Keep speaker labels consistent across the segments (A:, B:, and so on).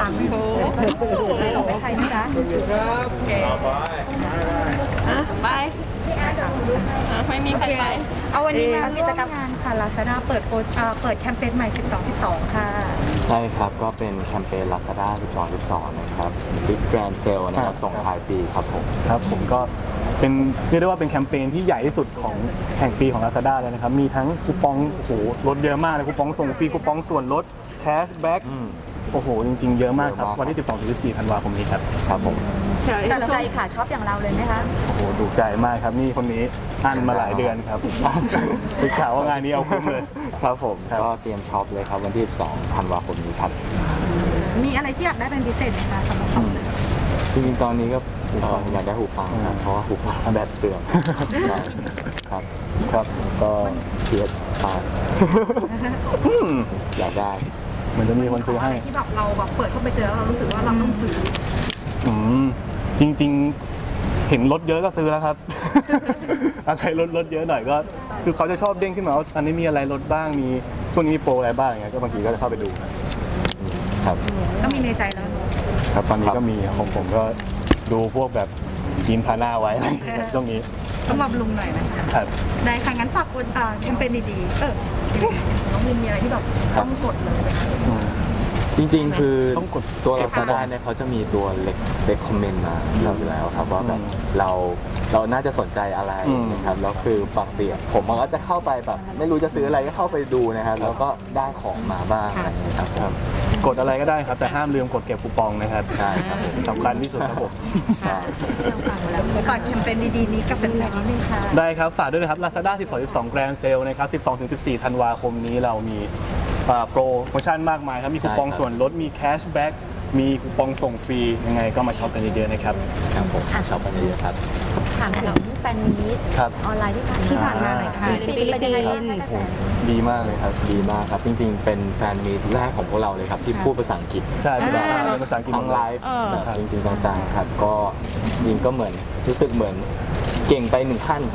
A: งไม่รู้ไม่ใครนะจ๊ะ
B: ไปไม่มีใครไป
A: เอาวันนี้มากิจกรรมงานค่ะ Lazada เปิดแคมเปญใหม่12/12ค่ะ
C: ใช่ครับก็เป็นแคมเปญ Lazada 12/12 นะครับ Big Grand Sale นะครับส่งท้ายปีครับผม
D: ครับผมก็เป็นเรียกได้ว่าเป็นแคมเปญที่ใหญ่ที่สุดของแห่งปีของ Lazada เลยนะครับมีทั้งคูปองโอ้โหลดเยอะมากเลยคูปองส่งฟรีคูปองส่วนลดแคชแบ็กโอ้โหจริงๆเยอะมากครับวันที่ 12-14 ธันวาคมนี้ครับ
C: ครับผม
A: แต่ใจค่ะชอบอย่างเราเลยไหมคะ
D: โอ้โหถูกใจมากครับนี่คนนี้อั้นมาหลายเดือนครับติดข่าวว่างานนี้เอาคุ้มเลย
C: ครับผมก็เตรียมช็อปเลยครับวันที่ 12 ธันวาคมนี้ครับ
A: มีอะไรที่อยากได้เป็นพิเศษไหมคะสำหรับเรา
C: จริงๆตอนนี้ก็อยากได้หูฟังครับเพราะว่าหูฟังแบตเสื่อมครับ
D: ครับ
C: ก็ PS5 อยากได้
D: เหมือนจะมีคนซื้อให้
A: ที่แบบเราแบบเปิดเข้าไปเจอแล้วเรารู้สึกว่าเราต้องซื้อ
D: จริงๆเห็นรถเยอะก็ซื้อแล้วครับอะไรรถเยอะหน่อยก็คือเขาจะชอบเด้งขึ้นมาว่าอันนี้มีอะไรลดบ้างมีช่วงนี้มีโปรอะไรบ้างอย่างเงี้ยก็บางทีก็จะเข้าไปดูครับ
A: ก็มีในใจแล้ว
D: ครับตอนนี้ก็มีของผมก็ดูพวกแบบทีมทาหน้าไว้ช่วงนี้
A: ต้องบำรุงหน่อยนะคะได้ค่ะงั้นฝากแคมเปญดีๆน้องมินมีอะไรที่แบบต้องกดเลย
C: จริงๆคือตัว Lazada เนี่ยเขาจะมีตัวเล็กคอมเมนต์มาอยู่แล้วครับว่าแบบเราน่าจะสนใจอะไรนะครับแล้วคือปกติผมมันก็จะเข้าไปแบบไม่รู้จะซื้ออะไรก็เข้าไปดูนะครับแล้วก็ได้ของมาบ้างอะไรอย่างเงี้ยครับ
D: กดอะไรก็ได้ครับแต่ห้ามลืมกดเก็บคูปองนะครับ
C: ใช่ครับ
D: สำคัญที่สุดครับผม
A: ฝากแคมเปญดีๆนี้กับแฟนๆนิดนึงค่ะ
D: ได้ครับฝากด้วยนะครับ Lazada 12/12 Grand Sale นะครับ 12-14 ธันวาคมนี้เรามีโปรโมชั่นมากมายครับมีคูปองส่วนลดมีแคชแบ็กมีคูปองส่งฟรียังไงก็มาช็อปกันเยอะๆนะครับ
C: ครับผมช็อปกันเยอะๆครับ
A: ถามถึงแฟนมีตออนไลน์ที่ผ่านมาหน่อยค่ะ
D: เป็นยังไงบ้างดีมากเลยครับ
C: ดีมากครับจริงๆเป็นแฟนมีตแรกของพวกเราเลยครับที่พูดภาษาอังกฤษ
D: ใช่เป็นภาษาอังกฤษ
C: ทางไลฟ์แบบจริงๆจังๆครับก็ยิงก็เหมือนรู้สึกเหมือนเก่งไปหนึ่งขั้น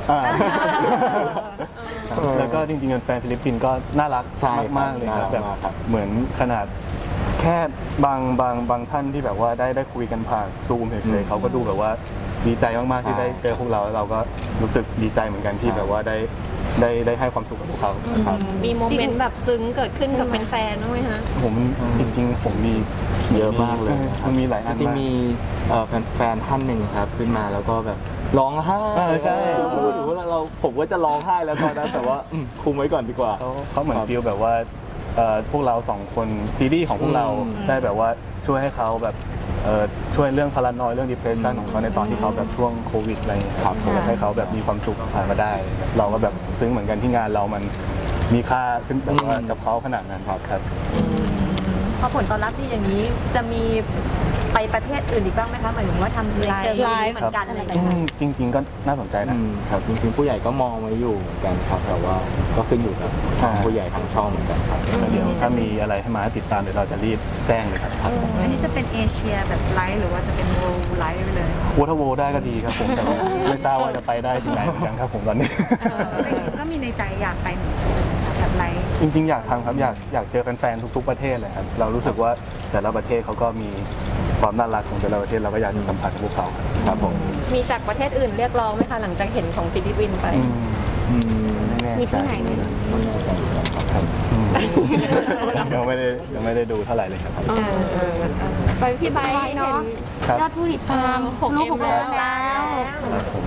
D: แล้วก็จริงๆแฟนฟิลิปปินส์ก็น่ารักมากๆเลยครับแบบเหมือนขนาดแค่บางท่านที่แบบว่าได้คุยกันผ่านซูมเฉยๆเขาก็ดูแบบว่าดีใจมากๆที่ได้เจอพวกเราแล้วเราก็รู้สึกดีใจเหมือนกันที่แบบว่าได้ให้ความสุขกับพวกเขา
B: มีโมเมนต์แบบซึ้งเกิดขึ้นกับแฟนๆบ้างไหมคะ
D: ผมจริงๆผมมี
C: เยอะมากเลย
D: มันมีหลายอัน
C: จริงมีแฟนท่านหนึ่งครับขึ้นมาแล้วก็แบบร้องไห้
D: ใช่
C: หรือว่าผมก็จะร้องไห้แล้วตอนนั้นแต่ว่าคุมไว้ก่อนดีกว่า
D: เขาเหมือนฟีลแบบว่าพวกเราสองคนซีรีส์ของพวกเราได้แบบว่าช่วยให้เขาแบบช่วยเรื่องพารานอยเรื่อง depression ของเขาในตอนที่เขาแบบช่วงโควิดอะไรอย่างเงี้ยครับให้เขาแบบมีความสุขผ่านมาได้เราก็แบบซึ้งเหมือนกันที่งานเรามันมีค่าขึ้นแบบว่ากับเขาขนาดนั้นครับ
A: พอผลตอบรับดีอย่างนี้จะมีไปประเทศอื่นอีกบ้างไหมคะหมายถึงว่าทำไลฟ์เหมือนกันอะไรแบบนี้
D: จริงๆก็น่าสนใจ
C: นะครับจริงๆผู้ใหญ่ก็มองไว้อยู่เหมือนกันครับแต่ว่าก็ขึ้นอยู่กับผู้ใหญ่ทางช่องเหมือนกันครับ
D: เดี๋ยวถ้ามีอะไรให้มาติดตามเดี๋ยวเราจะรีบแจ้งเลยครับ
A: อันนี้จะเป็นเอเชียแบบไลฟ์หรือว่าจะเป็นโวลไลฟ์ไปเลย
D: ถ้าโวได้ก็ดีครับผมแต่ไม่ทราบว่าจะไปได้ที่ไหนเหมือนกันครับผมตอนนี้
A: ก็มีในใจอยากไปแบบไลฟ์
D: จริงๆอยากทำครับอยากเจอแฟนๆทุกๆประเทศเลยครับเรารู้สึกว่าแต่ละประเทศเขาก็มีความน่ารักของแต่ละประเทศเราก็อยากจะสัมผัสกับพวกเขาครับผม
B: มีจากประเทศอื่นเรียกร้องไหมคะหลังจากเห็นของฟิลิปปินส์ไปมีที่ไหนไหม
D: ครับยังไม่ได้ดูเท่าไหร่เลยครับ
B: ไปพี่ใบเนาะ
A: ยอดผู้ติดตาม6 ล้านแล้ว
D: ครับผม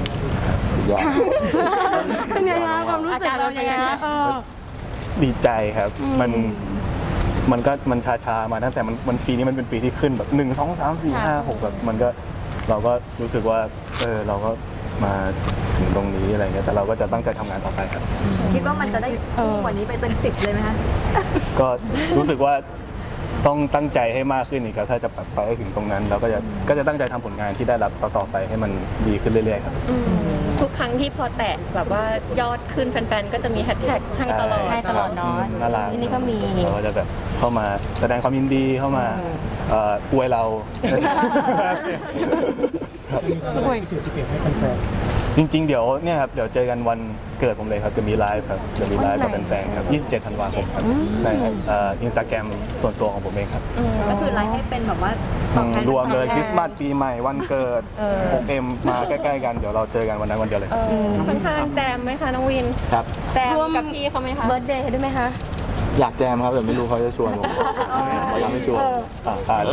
B: เป็นยังไงความรู้สึกเรายังไง
D: ดีใจครับมันชามาตั้งแต่มันปีนี้มันเป็นปีที่ขึ้นแบบ1 2 3 4 5 6แบบมันก็เราก็รู้สึกว่าเราก็มาถึงตรงนี้อะไรเงี้ยแต่เราก็จะตั้งใจทำงานต่อไปครับ
A: คิดว่ามันจะได้กว่านี้ไปเป็น10เลยไหมคะ
D: ก็รู้สึกว่าต้องตั้งใจให้มากขึ้นอีกครับถ้าจะไปให้ถึงตรงนั้นเราก็จะตั้งใจทำผลงานที่ได้รับต่อไปให้มันดีขึ้นเรื่อยๆครับ
B: ทุกครั้งที่พอแตะแบบว่ายอดขึ้นแฟนๆก็จะมีแฮชแท็กให้ตลอดเนาะ
D: น่ารัก
B: นี่ก็มี
D: เราก็จะแบบเข้ามาแสดงความยินดีเข้ามาอวยเรา
E: อวยจุดเปลี่ยนให้แฟน
D: จริงๆเดี๋ยวเนี่ยครับเดี๋ยวเจอกันวันเกิดผมเลยครับจะมีไลฟ์ครับจะมีไลฟ์กับแฟนๆครับ27 ธันวาคมครับในInstagram ส่วนตัวของผมเองครับ
A: ก็คือไลฟ์ให้เป็นแบบว่าตอบแทน
D: รวมเลยคริสต์มาสปีใหม่วันเกิด 6M มาใกล้ๆกันเดี๋ยวเราเจอกันวันนั้นวันเดียวเลย
B: ค่อนข้างแจมไหมคะน้องวิน
C: ครับ
B: แจมกับพี่เขาไหมคะ
A: เบิร์ธเดย์ด้วยไหมคะ
C: อยากแจมครับแต่ไม่รู้เขาจะชวนผมเขายังไม่ชวน
D: ตายแล้ว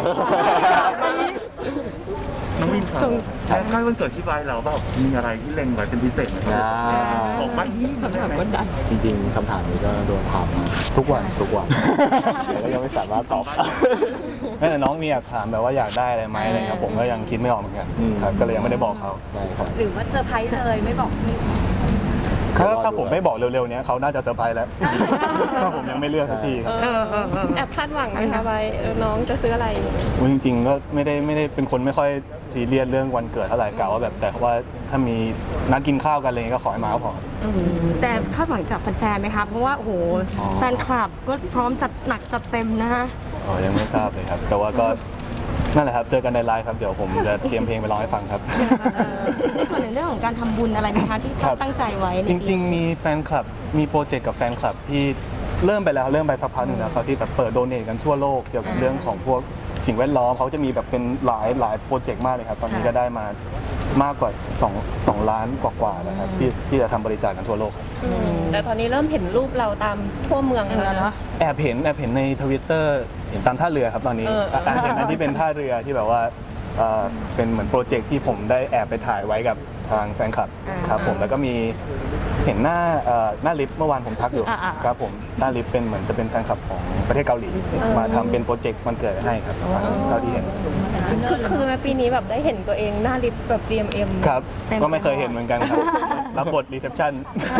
E: น้องวินครับใกล้วันเกิดที่ไว้เราแบบมีอะไรที่เล็งไว้เป็นพิเศษไหมครับบอกว่านี่คำถามกดดัน
C: จริงๆคำถามนี้ก็โดนถามมา
D: ทุกวัน
C: ทุกวันแล้วยังไม่สามารถตอบ
D: นั่นแหละน้องมีอยากถามแบบว่าอยากได้อะไรไหมอะไรครับผมก็ยังคิดไม่ออกเหมือนกันครับก็เลยยังไม่ได้บอกเขา
C: ใช่ครับ
A: หรือว่าเซอร์ไพรส์เลยไม่บอกพี่
D: ถ้าผมไม่บอกเร็วๆเนี้ยเขาน่าจะเซอร์ไพรส์แล้วถ้าผมยังไม่เลือกสักทีครับ
B: แอบคาดหวังไหมคะไว้น้องจะซื้ออะไร
D: อุ๊ยจริงๆก็ไม่ได้เป็นคนไม่ค่อยซีเรียสเรื่องวันเกิดเท่าไหร่กะว่าแบบแต่ว่าถ้ามีนัดกินข้าวกันอะไรเงี้ยก็ขอให้มาก็พอ
F: แต่คาดหวังจากแฟนๆไหมคะเพราะว่าโอ้โหแฟนคลับก็พร้อมจัดหนักจัดเต็มนะคะ
D: อ๋อยังไม่ทราบเลยครับ แต่ว่าก็นั่นแหละครับเจอกันในไลฟ์ครับเดี๋ยวผมจะเตรียมเพลงไปร้องให้ฟังครับ
F: ในส่วนในเรื่องของการทำบุญอะไรไหมคะที่
D: ครับ
F: ตั้งใจไว้ใน
D: จริงๆ มีแฟนคลับมีโปรเจกต์กับแฟนคลับที่เริ่มไปสักพักหนึ่งแล้วครับที่แบบเปิดโดเนทกันทั่วโลกเกี่ยวกับเรื่องของพวกสิ่งแวดล้อมเขาจะมีแบบเป็นหลายโปรเจกต์มากเลยครับตอนนี้ก็ได้มามากกว่า2 ล้านกว่าๆแล้วครับที่จะทำบริจาคกันทั่วโลกครับ
B: แต่ตอนนี้เริ่มเห็นรูปเราตามทั่วเมืองแล้วนะ
D: แอบเห็นในทวิตเตอร์เห็นตามท่าเรือครับตอนนี้เห็นอันที่เป็นท่าเรือที่แบบว่าเป็นเหมือนโปรเจกต์ที่ผมได้แอบไปถ่ายไว้กับทางแฟนคลับครับผมแล้วก็มีเห็นหน้าลิฟต์เมื่อวานผมทักอยู่ครับผมหน้าลิฟต์เป็นเหมือนจะเป็นแฟนคลับของประเทศเกาหลีมาทำเป็นโปรเจกต์มันเกิดให้ครับเท่าที่เห็น
B: คือแม่ปีนี้แบบได้เห็นตัวเองหน้าลิฟต์แบบ GMM
D: ครับก็ไม่เคยเห็นเหมือนกันครับรับบทรีเซพชัน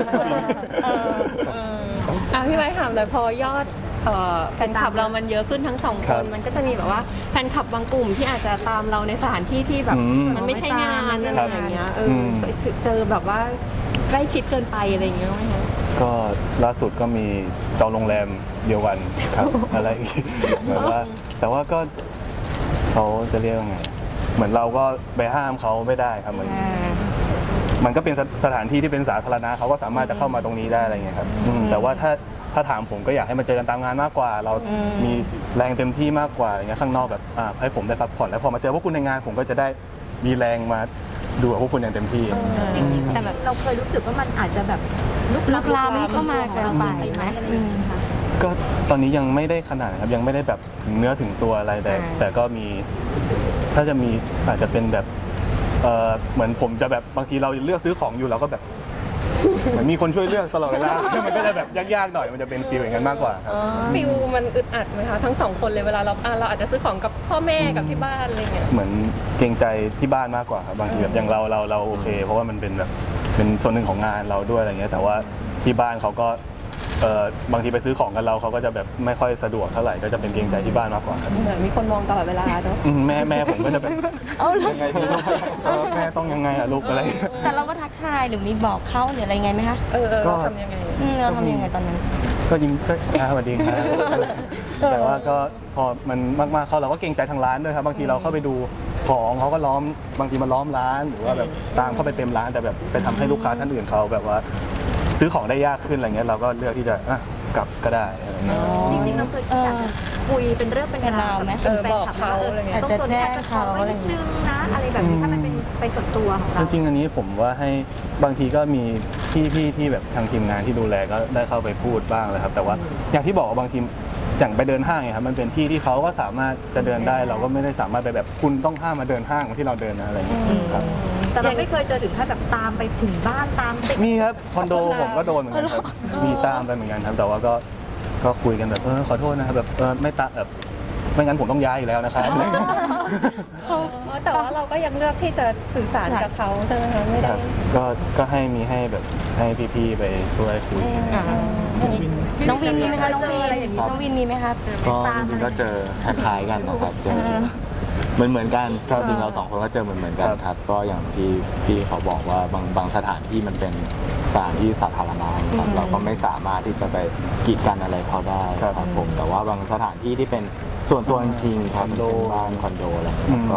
B: พี่ไว้ถามเลยพอยอดแฟนคลับเรามันเยอะขึ้นทั้งสอง
D: ค
B: ครับ นมันก็จะมีแบบว่าแฟนคลับบางกลุ่มที่อาจจะตามเราในสถานที่ที่แบบ มันไม่ใช่งานอะไรอย่างเงี้ยเจอแบบว่าใกล้ชิดเกินไปอะไรอย่างเงี้ยไหมคะ
D: ก็ล่าสุดก็มีจองโรงแรมเดียวกันครับ อะไรอีกแบบว่าแต่ว่าก็เขาจะเรียกว่าไงเหมือนเราก็ไปห้ามเขาไม่ได้ครับมันก็เป็นสถานที่ที่เป็นสาธารณะเขาก็สามารถจะเข้ามาตรงนี้ได้อะไรเงี้ยครับแต่ว่าถ้าถามผมก็อยากให้มาเจอกันตามงานมากกว่า เรามีแรงเต็มที่มากกว่าอย่างเงี้ยข้างนอกแบบให้ผมได้พักผ่อนแล้วพอมาเจอพวกคุณในงานผมก็จะได้มีแรงมาดูกับพวกคุณอย่างเต็มที่
A: จริงๆแต่แบบเราเคยรู้สึกว่ามันอาจจะแบบ
F: ลุกลามเข้ามาเกินไปไหม
D: ก็ตอนนี้ยังไม่ได้ขนาดนะครับยังไม่ได้แบบถึงเนื้อถึงตัวอะไรแต่ก็มีถ้าจะมีอาจจะเป็นแบบเหมือนผมจะแบบบางทีเราเลือกซื้อของอยู่เราก็แบบเหมือนมีคนช่วยเลือกตลอดเวลา มันก็จะแบบยากๆหน่อยมันจะเป็นฟีลอย่างนั้นมากกว่าครับ
B: ฟิลมันอึดอัดไหมคะทั้งสองคนเลยเวลาเราอาจจะซื้อของกับพ่อแม่กับที่บ้านอะไรเงี้ย
D: เหมือนเกรงใจที่บ้านมากกว่าครับบางทีแบบอย่างเราโอเค เพราะว่ามันเป็นแบบเป็นส่วนหนึ่งของงานเราด้วยอะไรเงี้ยแต่ว่าที่บ้านเขาก็บางทีไปซื้อของกันเราเขาก็จะแบบไม่ค่อยสะดวกเท่าไหร่ก็จะเป็นเกรงใจที่บ้านมากกว่าครับ
B: เหมือนมีคนมองตลอดเวลาเนาะ
D: แม่ผมก็จะแบบยังไงดีแม่ต้องยังไงอะลูกอะไร
F: แต่เราก็ทักทายหรือมีบอกเขาหรืออะไรไงไหมคะ
B: เราทำยังไง
F: เราทำยังไงตอนนั้น
D: ก็ยิ้มก็สวัสดีครับแต่ว่าก็พอมันมากๆเขาเราก็เกรงใจทางร้านด้วยครับบางทีเราเข้าไปดูของเขาก็ล้อมบางทีมาล้อมร้านหรือว่าแบบตามเข้าไปเต็มร้านแต่แบบไปทำให้ลูกค้าท่านอื่นเขาแบบว่าซื้อของได้ยากขึ้นอะไรเงี้ยเราก็เลือกที่จะกลับก็ได้อะไรเงี้ย
A: จริงๆเราเคยอยากจะคุยเป็นเรื่องเป็นราวกับแฟนคลั
B: บอกเขาอะไรเงี้ย
A: ต้องสนใจเขาอะไรนิดนึงนะอะไรแบบนี้ถ้ามันเป็นไปส่วนตัวของเรา
D: จริงๆอันนี้ผมว่าให้บางทีก็มีพี่ที่แบบทางทีมงานที่ดูแลก็ได้เข้าไปพูดบ้างเลยครับแต่ว่าอย่างที่บอกว่าบางทีอย่างไปเดินห้างเนี่ยครับมันเป็นที่ที่เขาก็สามารถจะเดินได้เราก็ไม่ได้สามารถไปแบบคุณต้องห้ามมาเดินห้างที่เราเดินนะอะไรอย่างเงี้ยครับ
A: แต่เราไม่เคยเจอถึงขั้นแบบตามไปถึงบ้านตามติด
D: มีครับคอนโดผมก็โดนเหมือนกันครับมีตามไปเหมือนกันครับแต่ว่าก็คุยกันแบบขอโทษนะครับแบบไม่ตามแบบไม่งั้นผมต้องย้ายอีกแล้วนะครับ
B: แต่ว่าเราก็ยังเลือกที่จะสื่อสารกับเขาใช่ไหมคะไม่
D: ค
B: ได้
D: รับก็ให้แบบให้พี่ๆไปช่วยคุย
F: น้องวินมีไหมคะน้องวินน้องวินมีไหมคะ
C: ก็จริงๆก็เจอคล้ายๆกันนะครับเจอเหมือนกันจริงๆเราสองคนก็เจอเหมือนกันครับก็อย่างที่พี่เขาบอกว่าบางสถานที่มันเป็นสถานที่สาธารณะครับเราก็ไม่สามารถที่จะไปกีดกันอะไรเขาได้ครับผมแต่ว่าบางสถานที่ที่เป็นส่วนตัวจริงๆครับเป็นบ้านคอนโดอะไรก็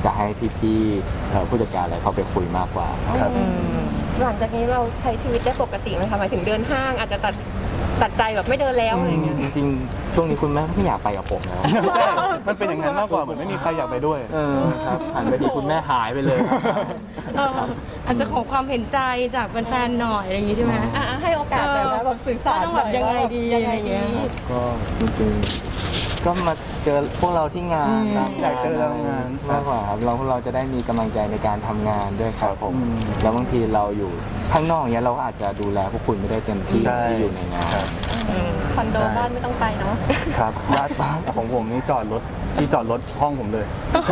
C: จะให้พี่ๆผู้จัดการอะไรเขาไปคุยมากกว่าครับ
B: หลังจากนี้เราใช้ชีวิตได้ปกติไหมคะหมายถึงเดินห้างอาจจะตัดใจแบบไม่เดินแล้วอะไรอย่างเงี้ย
C: จริงๆช่วงนี้คุณแม่ไม่อยากไปกับผมแล้ว
D: ใช่ มันเป็นอย่างนั้นมากกว่าเหมือนไม่มีใครอยากไปด้วย
C: ครับหันไปทีคุณแม่หายไปเลย
F: อาจจะขอความเห็นใจจากแฟนๆหน่อยอะไรอย่างงี้ใช่ไหม
B: ให้โอกาสเลยนะแบบสื่อสาร
F: ต้องแบบยังไงดีอะไรอย่างเงี้ย
C: ก็จริงๆก็มาเจอพวกเราที่งานตาม
D: อยากเจอเรางาน
C: มากกว่าครับเราจะได้มีกำลังใจในการทำงานด้วยครับผม
D: อืม
C: แล้วบางทีเราอยู่ข้างนอกเนี้ยเราก็อาจจะดูแลพวกคุณไม่ได้เต็มที่
D: ใช่
C: ที่อยู่ในงาน
D: ครับ
B: คอนโดบ้านไม่ต้องไปเนาะ
D: ครับร้านของผมนี่จอดรถที่จอดรถห้องผมเลย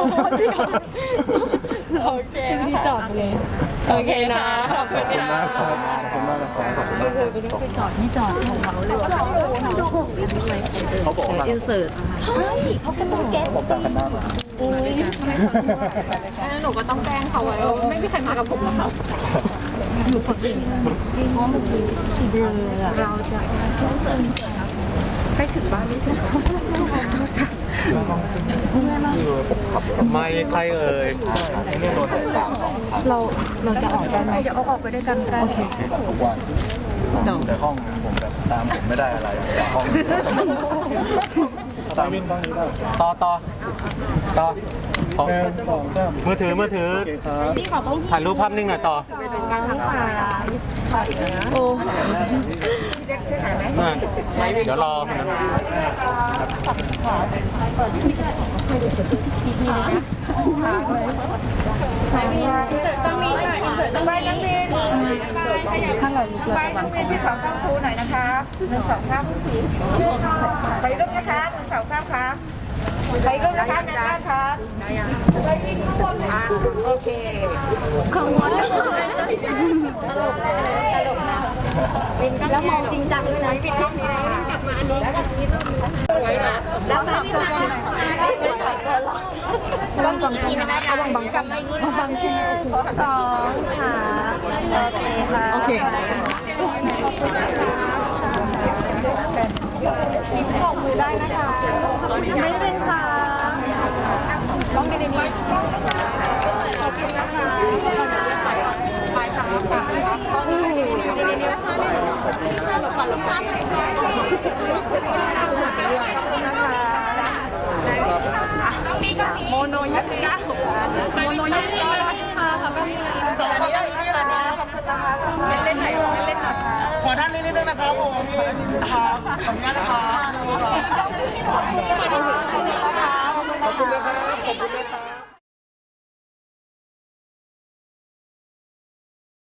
F: โอเคที่จอดเลยโอเคนะขอบคุณ
D: ขอบคุณมากครับขอบคุณมากนะครับขอบคุณมากเขาบอกว่า
A: อินเสิร์ต
B: หนูก็ต้องแจ้งเขาไว้ว่าไม่มีใครมากับผมหรอกค่ะ
G: ไม่ใครเอ่ย
C: นี่โดน3-2 ครั้ง
A: เราจะออกได้ไหมจะเอาออกไปด้วยกันก็ได้
C: แบบทุกวัน
D: แต่ห้องผมแบบตามผมไม่ได้อะไรแต่ห้องตามวินห้องนี้ได้
G: ต่อขอ
D: 1 2 3
G: มือถือ
D: โอเคครับ
G: ถ่ายรูปภาพนิ่งหน่อยต่อเดี๋ยวรอนะ
A: ถ้าเราลุกเราจะวางของ
H: พี่ขอกล้องทูหน่อยนะคะ1 2 3ไปรูปนะคะ1 2 3ครับไปรูปนะคะในบ้านครับไปวิ่งข้างบนค่ะโอเค
A: แล้วมองจริงจังด้วยนะปิดกล้องนี้กลับมาอันนี้แล้วสามตัวบนไหนของไม่ถอยเกินหรอกกล้องอีกทีไม่ได้นะบังกำไม่ยืดบังที่2ค่ะโอเคค่ะปิดกล่องมือได้นะคะไม่ได้ค่ะต้องในนี้ขอบคุณนะคะไปค่ะต้องในนี้นะคะหลบก่อนหลบก่อนโมโนยักษ์ก้าโมโนยักษ์ก้าค่ะขอบคุณค่ะสวัสดีค่ะเล่นไหนเล่นหน่อย
G: ขอด้านนี้นิดนึงนะครับผมครับขอบคุณนะครับ
H: ขอบคุณนะคะขอบคุณนะครับขอบคุณนะครับ